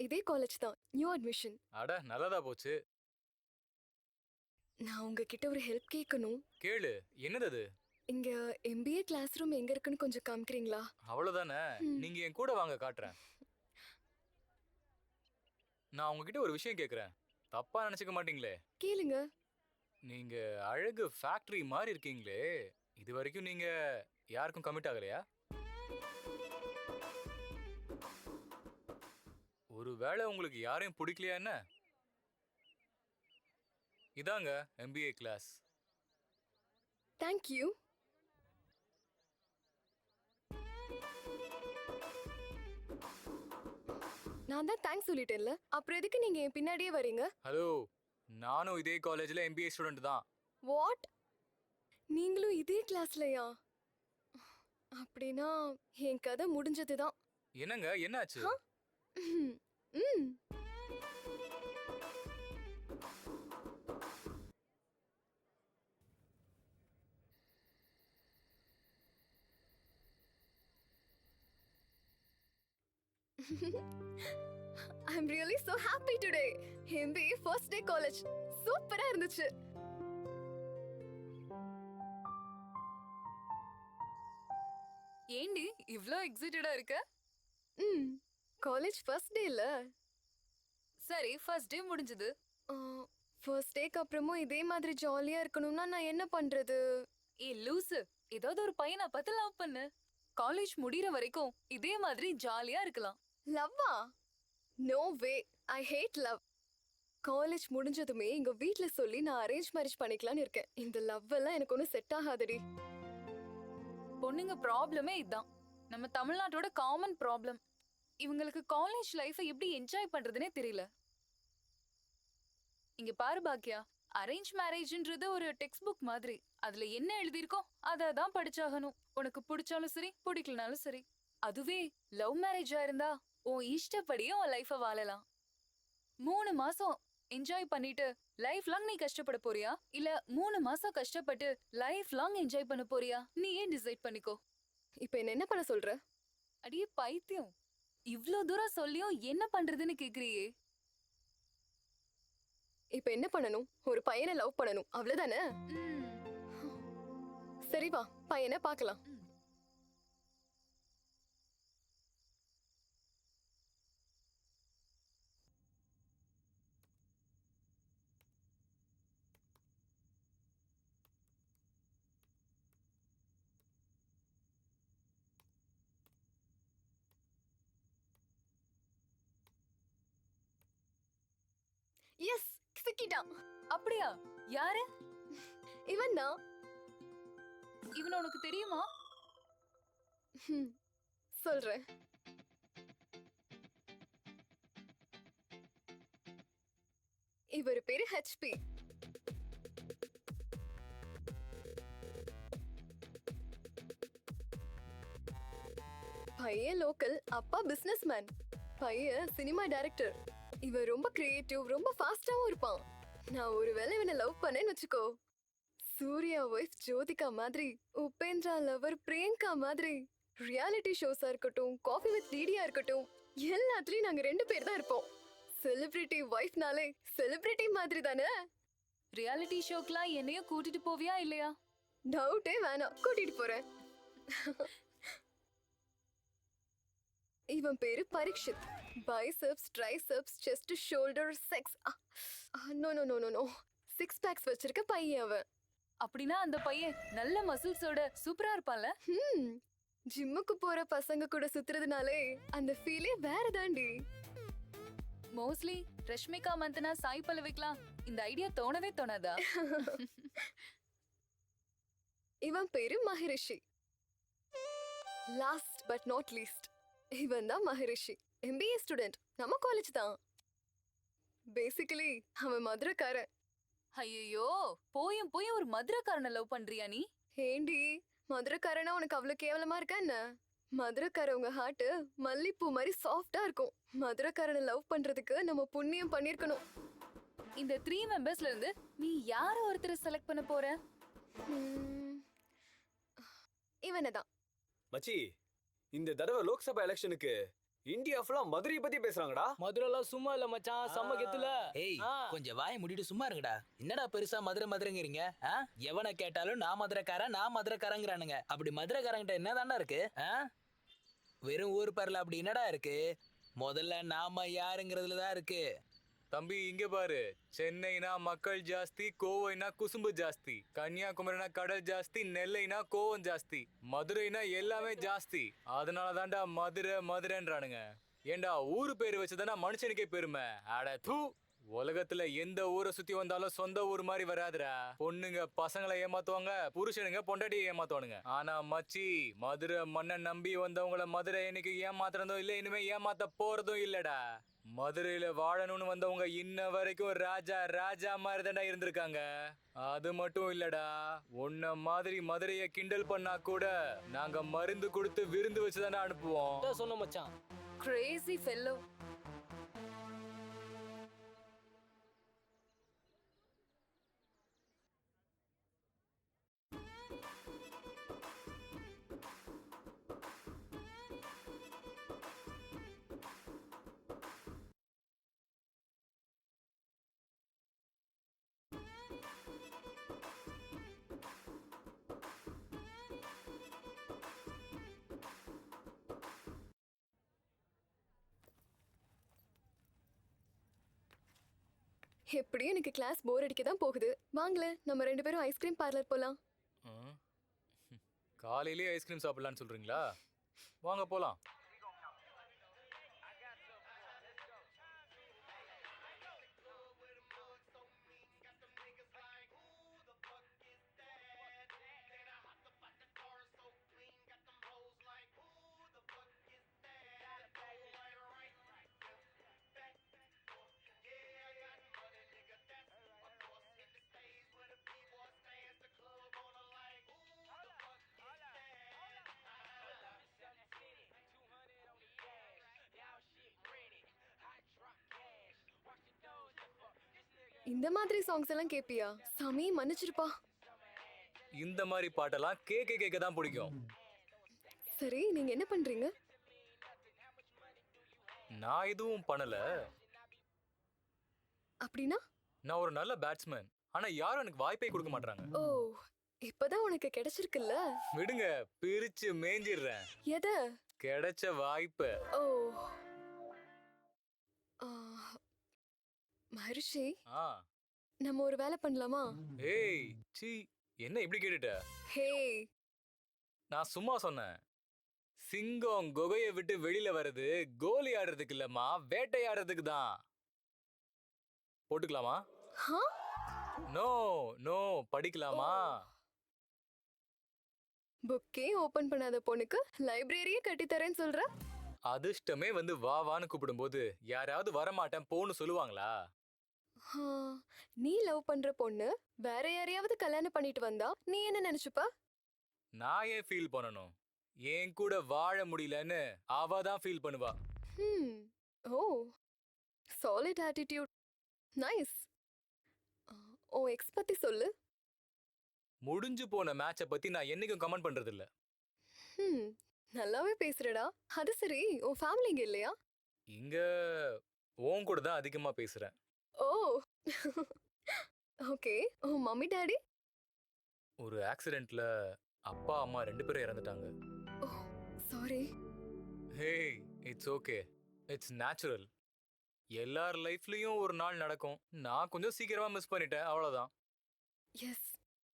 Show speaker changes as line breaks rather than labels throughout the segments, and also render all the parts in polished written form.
இதே காலேஜ் தான், new admission.
அட நல்லதா போச்சு.
நான் உங்ககிட்ட ஒரு ஹெல்ப் கேட்கணும்.
கேளு, என்னது அது?
இங்க எம்பிஏ கிளாஸ் ரூம் எங்க இருக்குன்னு கொஞ்சம் காமிக்கிறீங்களா?
அவ்வளவுதானே, நீங்க என் கூட வாங்க காட்டுறேன். நான் உங்ககிட்ட ஒரு விஷயம் கேக்குறேன், தப்பா நினைச்சுக்க மாட்டீங்களே?
கேளுங்க.
நீங்க அழகு ஃபேக்டரி மாதிரி இருக்கீங்களே, இது வரைக்கும் நீங்க யாருக்கும் கமிட் ஆகலையா? ஒருவேளை உங்களுக்கு யாரையும் பிடிக்கலையா என்ன? இதாங்க எம்பிஏ கிளாஸ்.
Thank you. நான் தான் தேங்க்ஸ் சொல்லிட்டேன்ல, அப்புறம் எதுக்கு நீங்க என் பின்னாடியே வரீங்க?
ஹலோ, நானும் இதே காலேஜ்ல எம்பிஏ ஸ்டூடெண்ட் தான்.
வாட்? நீங்களும் இதே கிளாஸ்லயா? அப்படின்னா என் கதை முடிஞ்சது தான்.
என்னங்க, என்னாச்சு?
ம். I'm really so happy today. MBA first day college. சூப்பரா இருந்துச்சு.
ஏண்டி இவ்ளோ எக்ஸைட்டடா இருக்க?
காலேஜ் ஃபர்ஸ்ட் டேல.
சரி, ஃபர்ஸ்ட் டே முடிஞ்சது.
ஃபர்ஸ்ட் டேக்கு அப்புறமும் இதே மாதிரி ஜாலியா இருக்கணும்னா நான் என்ன பண்றது?
லூசு, ஏதாவது ஒரு பையனை பார்த்து லவ் பண்ணு. காலேஜ் முடியற வரைக்கும் இதே மாதிரி ஜாலியா இருக்கலாம்.
லவ்வா? No way, I hate love. College முடிஞ்சதுமே எங்க வீட்ல சொல்லி நான் அரேஞ்ச் மேரேஜ் பண்ணிக்கலாம்னு இருக்கேன். இந்த லவ் எல்லாம் எனக்கு ஒன்றும் செட் ஆகாதடி.
பொண்ணுங்க ப்ராப்ளமே இதான், நம்ம தமிழ்நாட்டோட காமன் ப்ராப்ளம். இவங்களுக்கு காலேஜ் லைஃபை எப்படி என்ஜாய் பண்றதுனே தெரியல. இங்க பாரு பாக்கியா, அரேஞ்ச் மேரேஜ்ன்றது ஒரு டெக்ஸ்ட் புக் மாதிரி. அதுல என்ன எழுதியிருக்கோ அதை தான் படிச்சாகணும். உனக்கு பிடிச்சாலும் சரி, பிடிக்கலனாலும் சரி. அதுவே லவ் மேரேஜா இருந்தா உன் இஷ்டப்படியே உன் லைஃபை வாழலாம். 3 மாசம் என்ஜாய் பண்ணிட்டு லைஃப் லாங் நீ கஷ்டப்பட போறியா, இல்ல 3 மாசம் கஷ்டப்பட்டு லைஃப் லாங் என்ஜாய் பண்ண போறியா? நீ ஏன் டிசைட் பண்ணிக்கோ.
இப்போ என்ன பண்ண சொல்ற?
அடியே பைத்தியம், இவ்ளோ தூரம் சொல்லியும் என்ன பண்றதுன்னு கேக்குறியே.
இப்போ என்ன பண்ணணும்? ஒரு பையனை லவ் பண்ணணும், அவ்வளவுதானே? சரி வா, பையனை பார்க்கலாம். எஸ், சிக்கிட்டான்.
அப்படியா? யாரு
இவன் தான்.
இவன்? உனக்கு தெரியுமா?
சொல்றேன். இவர் பேரு ஹெச்பி. பையன் லோக்கல், அப்பா பிசினஸ் மேன். பையன் சினிமா டைரக்டர். இவன் ரொம்ப கிரியேட்டிவ், ரொம்ப ஃபாஸ்டாவும் இருப்பான். நான் ஒருவேளை இவனை லவ் பண்ணேன்னு வச்சுக்கோ, சூர்யா ஒய்ஃப் ஜோதிகா மாதிரி, உபேந்திரா லவர் பிரியங்கா மாதிரி, ரியாலிட்டி ஷோஸா இருக்கட்டும், காஃபி வித் டிடியா இருக்கட்டும், எல்லாத்துலயும் நாங்க 2 பேர் தான் இருப்போம். செலிபிரிட்டி ஒய்ஃப்னாலே செலிபிரிட்டி மாதிரி தானே.
ரியாலிட்டி ஷோக்கெல்லாம் என்னையும் கூட்டிட்டு போவியா இல்லையா?
டவுட்டே வேணாம், கூட்டிட்டு போறேன். இவன் பேரு Parikshit. Biceps, triceps, chest, shoulder, sex. No no no no no, 6 packs வச்சிருக்க பையன் அவன்.
அப்படின்னா அந்த பையன் நல்ல மசில்ஸோட சூப்பரா இருப்பான்ல?
ஜிம்முக்கு போற பசங்க கூட சுத்துறதுனாலே அந்த ஃபீலே வேற தாண்டி.
மோஸ்ட்லி ரஷ்மிகா மந்தனா, சாய் பல்லவிக்கலாம் இந்த ஐடியா தோணவே தோணாதா?
இவன் பேரு Maharishi. Last but not least, இவன் தான் மகரிஷி. எம்பிஏ ஸ்டூடெண்ட், நம்ம காலேஜ் தான். பேசிக்கலி அவன் மதுரைக்காரன்.
ஐயோ, போயும் ஒரு மதுரைக்காரனை லவ் பண்றியா நீ?
ஏண்டி, மதுரைக்காரனா உனக்கு அவ்வளவு கேவலமா இருக்கா என்ன? மதுரைக்காரவங்க ஹார்ட் மல்லிப்பூ மாதிரி சாஃப்டா இருக்கும். மதுரைக்காரனை லவ் பண்றதுக்கு நம்ம புண்ணியம் பண்ணிருக்கணும்.
இந்த 3 மெம்பர்ஸ்ல இருந்து நீ யார ஒருத்தரை செலக்ட் பண்ண போற?
இவனதான்.
மச்சி, இந்த தடவை லோக்சபா எலெக்ஷனுக்கு இந்தியா ஃபுல்லா மதுரையை பத்தி பேசுறாங்கடா.
மதுரைலாம் சும்மா இல்ல மச்சான், செம்ம கெத்துல.
ஏய் கொஞ்சம் வாயை மூடிட்டு சும்மா இருங்கடா. என்னடா பெருசா மதுரை மதுரைங்கிறீங்க? எவனை கேட்டாலும் நான் மதுரைக்காரங்கிறானுங்க. அப்படி மதுரைக்காரங்கிட்ட என்னதான்டா இருக்கு? வெறும் ஊர் பேர்ல அப்படி என்னடா இருக்கு? முதல்ல நாம யாருங்கிறதுல தான் இருக்கு.
தம்பி இங்க பாரு, சென்னைனா மக்கள் ஜாஸ்தி, கோவைனா குசும்பு ஜாஸ்தி, கன்னியாகுமரினா கடல் ஜாஸ்தி, நெல்லைனா கோவம் ஜாஸ்தி, மதுரைனா எல்லாமே ஜாஸ்தி. அதனால தான்டா மதுரை மதுரைன்றானுங்க. ஏண்டா ஊரு பேரு வச்சுதானா மனுஷனுக்கே பெருமை. அட தூ. உலகத்துல எந்த ஊரை சுத்தி வந்தாலும் சொந்த ஊர் மாதிரி வராதுடா. பொண்ணுங்க பசங்களை ஏமாத்துவாங்க, புருஷனுங்க பொண்டாட்டியை ஏமாத்துவானுங்க. ஆனா மச்சி, மதுரை மண்ணை நம்பி வந்தவங்கள மதுரை என்னைக்கு ஏமாத்துறதும் இல்ல, இனிமே ஏமாத்த போறதும் இல்லடா. மதுரையில வாழணும்னு வந்தவங்க இன்ன வரைக்கும் ராஜா ராஜா மாதிரி தான்டா இருந்திருக்காங்க. அது மட்டும் இல்லடா, உன்ன மாதிரி மதுரைய கிண்டல் பண்ணா கூட நாங்க மருந்து கொடுத்து விருந்து வச்சுதானே அனுப்புவோம்.
அதான் சொன்ன மச்சான்.
Crazy fellow.
எப்படியும் எனக்கு கிளாஸ் போர் அடிக்க தான் போகுது. வாங்களே நம்ம 2 பேரும் ஐஸ்கிரீம் பார்லர் போலாம்.
ம். காலையிலேயே ஐஸ்கிரீம் சாப்பிடலான்னு சொல்றீங்களா? வாங்க போலாம்.
இந்த மாதிரி சாங்ஸ் எல்லாம் கேப்பியா? சாமி மன்னிச்சிருப்பா.
இந்த மாதிரி பாட்டெல்லாம் கேட்க கேட்க தான் பிடிக்கும்.
சரி, நீங்க என்ன பண்றீங்க?
நான் எதுவும் பண்ணல.
அப்படின்னா?
நான் ஒரு நல்ல பேட்ஸ்மேன். ஆனா யாரும் எனக்கு வாய்ப்பே கொடுக்க மாட்டாங்க.
ஓ, இப்பதான் உனக்கு கிடைச்சிருக்குல்ல.
விடுங்க, பிரிச்சு மேஞ்சிடுறேன்
எத?
கிடைச்ச வாய்ப்ப.
ஓ, ஆ, மகரிஷி,
ஆ.
நம்ம ஒரு வேலை பண்ணலாமா?
ஏய் சீ, என்ன இப்படி கேட்டுட்ட?
ஹே,
நான் சும்மா சொன்னேன். சிங்கம் குகையை விட்டு வெளியில வர்றது கோலி ஆடுறதுக்கு இல்லம்மா, வேட்டையாடுறதுக்கு தான். போட்டுக்கலாமா?
ஹா?
நோ நோ, படிக்கலாமா?
புக்கே ஓபன் பண்ணாத பொண்ணுக்கு லைப்ரரியே கட்டி தரேன்னு சொல்ற?
அதிர்ஷ்டமே வந்து வா வான்னு கூப்பிடும்போது யாராவது வரமாட்டேன் போன்னு சொல்லுவாங்களா?
ஹா, நீ லவ் பண்ற பொண்ணு வேற யாரையாவது கல்யாணம் பண்ணிட்டு வந்தா நீ என்ன நினைச்சுப்ப?
நான் ஏன் ஃபீல் பண்ணணும்? என் கூட வாழ முடியலன்னு அவ தான் ஃபீல் பண்ணுவா.
Hmm, oh, solid attitude, nice. Oh, ex பத்தி சொல்லு.
முடிஞ்சு போன மேட்சை பத்தி நான் என்னைக்கும் கமெண்ட் பண்றது இல்ல.
ஹம், நல்லாவே பேசுறடா. அது சரி, உன் ஃபேமிலி இங்க இல்லையா?
இங்க உன் கூட தான் அதிகமா பேசுறேன்.
Oh, okay. உன் மம்மி டாடி?
ஒரு ஆக்சிடென்ட்ல அப்பா அம்மா 2 பேரும் இறந்துட்டாங்க.
Oh, sorry.
Hey, it's okay, it's natural. எல்லார் லைஃப்லயும் ஒரு நாள் நடக்கும். நான் கொஞ்சம் சீக்கிரமா மிஸ் பண்ணிட்டேன், அவ்வளவுதான்.
எஸ்.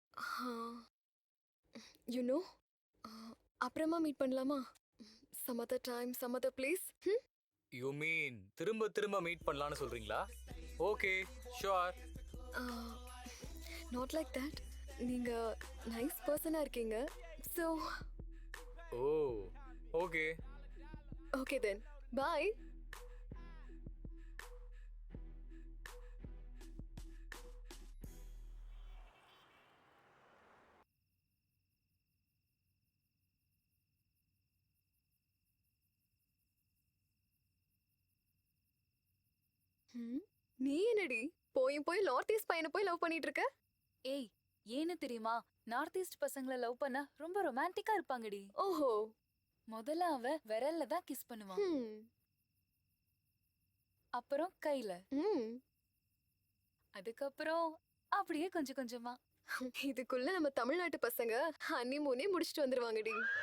யூ நோ, அப்புறமா மீட் பண்ணலாமா? Some other time, some other place.
You mean திரும்ப திரும்ப மீட் பண்ணலாம்னு சொல்றீங்களா? Okay, sure.
Not like that. நீங்க நைஸ் பர்சனா இருக்கீங்க. So
oh, okay.
Okay then, bye. நீ என்னடி போயும் போய் நார்த் ஈஸ்ட் பையனை போய் லவ் பண்ணிட்டு இருக்க?
ஏய், ஏன்னு தெரியுமா? நார்த் ஈஸ்ட் பசங்கள லவ் பண்ண ரொம்ப ரொமான்டிக்கா இருப்பாங்கடி.
ஓஹோ.
முதல்ல அவ விரல்ல தான் கிஸ் பண்ணுவான். அப்புறம் கையில,
ம்
அதுக்கப்புறம் அப்படியே கொஞ்சம் கொஞ்சமா.
இதுக்குள்ள நம்ம தமிழ்நாட்டு பசங்க ஹனிமூனே முடிச்சிட்டு வந்துருவாங்கடி.